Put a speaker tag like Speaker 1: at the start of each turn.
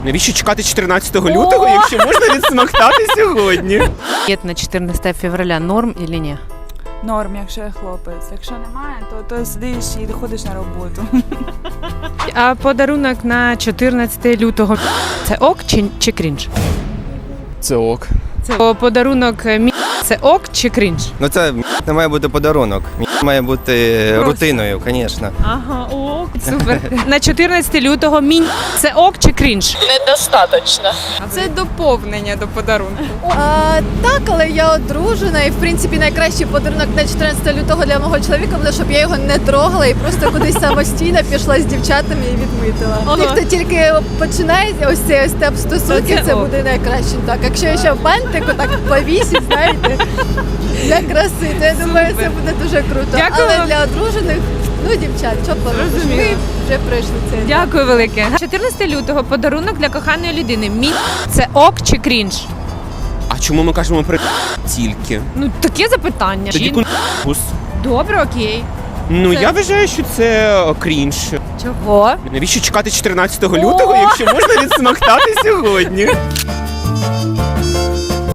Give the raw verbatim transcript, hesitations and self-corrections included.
Speaker 1: Навіщо чекати чотирнадцятого лютого, якщо можна відсмоктати сьогодні?
Speaker 2: На чотирнадцяте февраля норм или ні?
Speaker 3: Норм, якщо я хлопець. Якщо немає, то, то сидиш і ходиш на роботу.
Speaker 2: А подарунок на чотирнадцяте лютого – це ок чи, чи крінж?
Speaker 1: Це ок.
Speaker 2: Це подарунок мі... це ок чи крінж?
Speaker 4: Ну це не має бути подарунок. Має бути рутиною, звісно.
Speaker 2: Ага, ок. Супер. На чотирнадцяте лютого мі... це ок чи крінж?
Speaker 5: Недостаточно.
Speaker 2: Це доповнення до подарунку.
Speaker 6: А, так, але я одружена, і в принципі найкращий подарунок на чотирнадцяте лютого для мого чоловіка буде, щоб я його не трогала і просто кудись самостійно пішла з дівчатами і відмитила.
Speaker 2: Ага.
Speaker 6: Ті, хто тільки починає ось цей ось степ стосунків,
Speaker 2: Це
Speaker 6: це
Speaker 2: ок.
Speaker 6: буде найкраще. Так, якщо я ще в бантику так повісить, знаєте, для краси, то я думаю, це буде дуже круто.
Speaker 2: Дякую.
Speaker 6: Але для одружених, ну дівчат, що поробиш?
Speaker 2: Зрозуміло.
Speaker 6: Ми вже пройшли це.
Speaker 2: Дякую велике. чотирнадцяте лютого подарунок для коханої людини. Мі... це ок чи крінж?
Speaker 1: А чому ми кажемо про тільки?
Speaker 2: Ну, таке запитання.
Speaker 1: Тоді
Speaker 2: Жін-
Speaker 1: кунбус.
Speaker 2: Добре, окей.
Speaker 1: Ну,
Speaker 2: Це-
Speaker 1: я вважаю, що це крінж.
Speaker 2: Чого?
Speaker 1: Навіщо чекати чотирнадцятого лютого, якщо можна відсмоктати сьогодні?